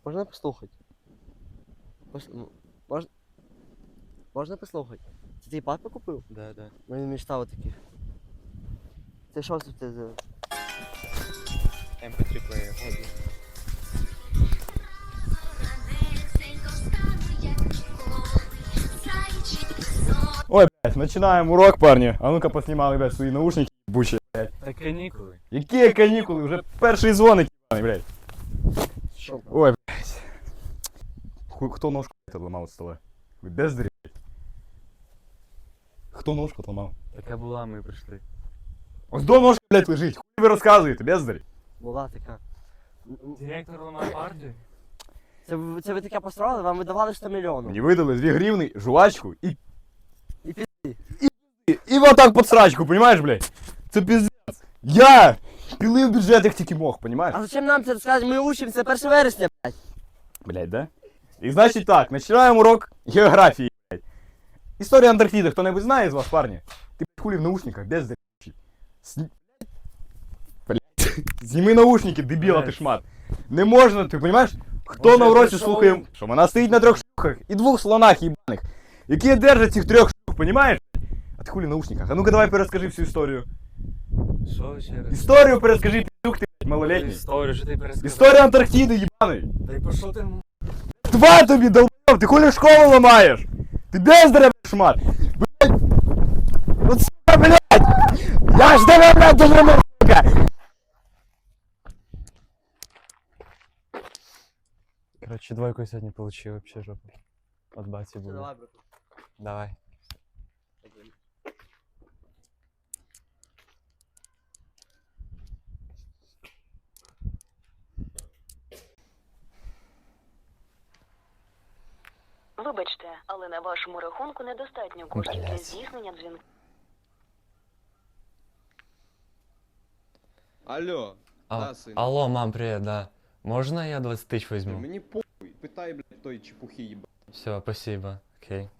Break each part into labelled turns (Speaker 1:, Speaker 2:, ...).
Speaker 1: Можна послухати? Можна послухати? Це твій папа купив?
Speaker 2: Да, да.
Speaker 1: Мені мечтав таких. Це що це за...
Speaker 2: MP3 плеєр.
Speaker 3: Ой, блядь, начинаем урок, парни. А ну-ка поснимали, блядь, свои наушники ебучие, блядь.
Speaker 2: Та канікули.
Speaker 3: Какие каникулы? Уже перший звоник, ебаный, блядь.
Speaker 1: Що?
Speaker 3: Ой, блядь. Кто ножку отломал от стола? Вы бездари, блядь. Кто ножку отломал?
Speaker 2: Така була, ми прийшли.
Speaker 3: Ось до ножка, блядь, лежить. Хуй ви розказуєте, бездарі.
Speaker 1: Була така.
Speaker 2: Директор ламає партію?
Speaker 1: Це ви таке построїли? Вам видавали 100 мільйонів.
Speaker 3: Мені видали 2 гривни, жвачку і...
Speaker 1: І пізди.
Speaker 3: І вот так под срачку, понимаешь, блядь? Це пиздец. Я пилив бюджет, як тільки мог, понимаешь?
Speaker 1: А зачем нам це розказувати? Ми учимося 1 вересня, блядь.
Speaker 3: Блядь, да? І значить так, починаємо урок географії, блядь. Історія Антарктиди, хто-небудь знає з вас, парні? Ти, блядь, хули в наушниках, бездарі. Блядь, зніми наушники, дебіла ти шмат. Не можна, ти понимаешь? Хто на уроці слухає, що вона стоїть на 3 шлюхах і 2 слонах їбаних, які держать цих 3 шлюх, понимаешь? А ти хули в наушниках? А ну-ка давай перескажи всю історію.
Speaker 2: Що ще раз?
Speaker 3: Історію перескажи, піздюк ти, блядь, малолетній.
Speaker 2: Історію, що ти пересказав?
Speaker 3: Історія Антарктиди, їбаний.
Speaker 2: Та й пошов ти...
Speaker 3: Два тобі, долб, ти хули школу ламаєш? Ти бездаря, шмат. Блядь. Вот сука, блядь. Я ж тебе, блядь, дожиму, сука.
Speaker 2: Короче, двойку сьогодні получив, вообще жопа. От баті буде.
Speaker 1: Давай, брат.
Speaker 2: Давай.
Speaker 4: Вибачте, але на вашому рахунку недостатньо коштів для
Speaker 2: Блядь.
Speaker 4: здійснення дзвінка.
Speaker 5: Алло, да, син.
Speaker 2: Алло, мам, привет, да. Можно я 20 тысяч возьму?
Speaker 5: Мені похуй, питай, блядь, той чепухи їба.
Speaker 2: Все, спасибо. Окей.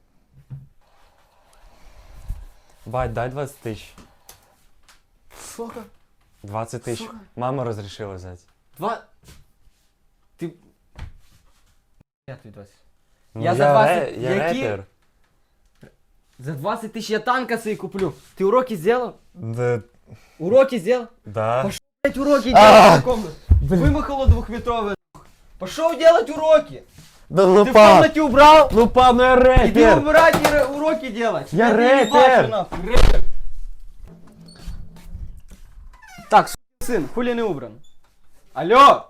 Speaker 2: Бать, дай 20 тысяч.
Speaker 1: Сука.
Speaker 2: 20 тысяч.
Speaker 1: Сука.
Speaker 2: Мама разрешила взять.
Speaker 1: Ти... Я тобі 20.
Speaker 2: Ну,
Speaker 1: Я за 20
Speaker 2: я
Speaker 1: які?
Speaker 2: рэпер.
Speaker 1: За 20 тисяч я танка собі куплю. Ти уроки зробив?
Speaker 2: Да.
Speaker 1: Уроки зробив?
Speaker 2: Да.
Speaker 1: Пошел делать уроки делать в комнате. Вымахало 2-метровое. Пошел делать уроки.
Speaker 2: Да
Speaker 1: Ты в комнате убрал?
Speaker 2: Ну пап, ну я
Speaker 1: Иди
Speaker 2: рэпер.
Speaker 1: убирать и уроки делать.
Speaker 2: Я
Speaker 1: тебя не
Speaker 2: рэпер.
Speaker 1: ебашу, нахуй, рэпер. Так, сын, хули не убран? Алло!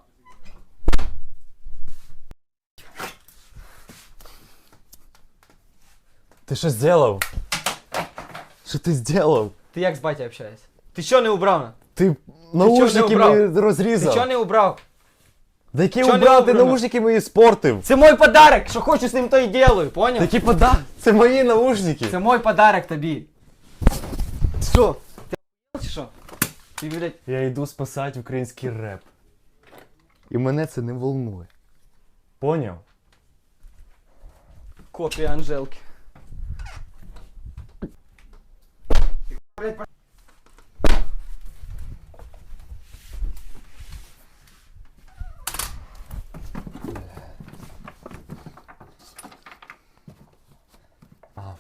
Speaker 2: Ты что сделал? Что ты сделал?
Speaker 1: Ты як з батя общаешься? Ты чё не убрал?
Speaker 2: Ты
Speaker 1: чё
Speaker 2: наушники
Speaker 1: не убрал?
Speaker 2: мої
Speaker 1: Ты
Speaker 2: розрізав.
Speaker 1: чё не убрал?
Speaker 2: Да які
Speaker 1: чё не
Speaker 2: убрав, ти
Speaker 1: убрано?
Speaker 2: наушники мої спортив.
Speaker 1: Це мой подарок, що хочу з ним то і делаю, понял?
Speaker 2: Такі це мої наушники.
Speaker 1: Це мой подарок тобі. Що? Ти охуєл чи що? Ти, блядь,
Speaker 2: Я йду спасати український реп. І мене це не волнує. Поняв?
Speaker 1: копія Анжелки.
Speaker 2: А,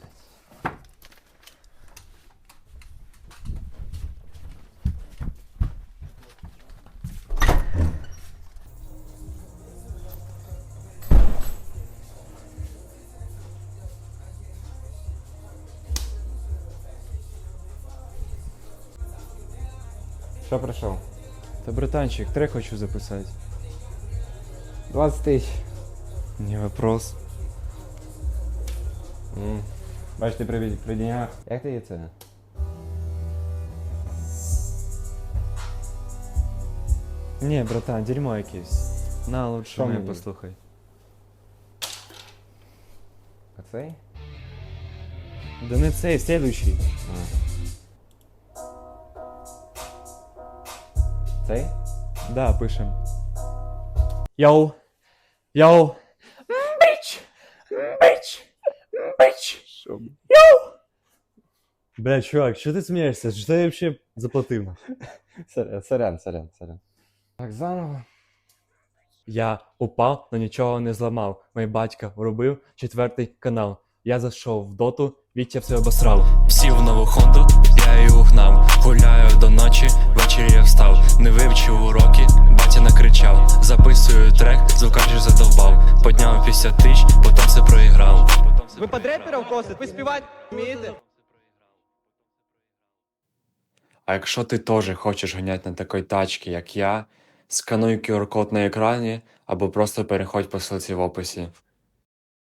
Speaker 6: Що прийшов?
Speaker 2: Та братанчик, трек хочу записати.
Speaker 6: 20 тисяч.
Speaker 2: Не вопрос.
Speaker 6: Бач, ти при деньгах. Як ти це?
Speaker 2: Не, братан, дерьмо якесь. На, лучше
Speaker 6: Що
Speaker 2: мене
Speaker 6: мені?
Speaker 2: послухай.
Speaker 6: А цей?
Speaker 2: Да не цей, следующий.
Speaker 6: Цей?
Speaker 2: Да, пишем. Йоу. Йоу. Бич. Бич. Бич. Йоу. Бля, чувак, что ты смеешься? Что я вообще заплатил?
Speaker 6: Сорян. Так, заново.
Speaker 7: Я упав, но нічого не зламав. Мій батько врубив 4-й канал. Я зайшов в доту, Вітя все обосрав. Сів в нову хонду, я її угнав. Гуляю до ночі, ввечері я встав. Не вивчив уроки, батя накричав. Записую трек, звукач же задовбав. Подняв 50 тисяч, потім все проіграв.
Speaker 1: Ви під реперів косите? Ви співати вмієте?
Speaker 7: А якщо ти теж хочеш ганяти на такій тачці, як я, скануй QR-код на екрані або просто переходь по ссылці в описі.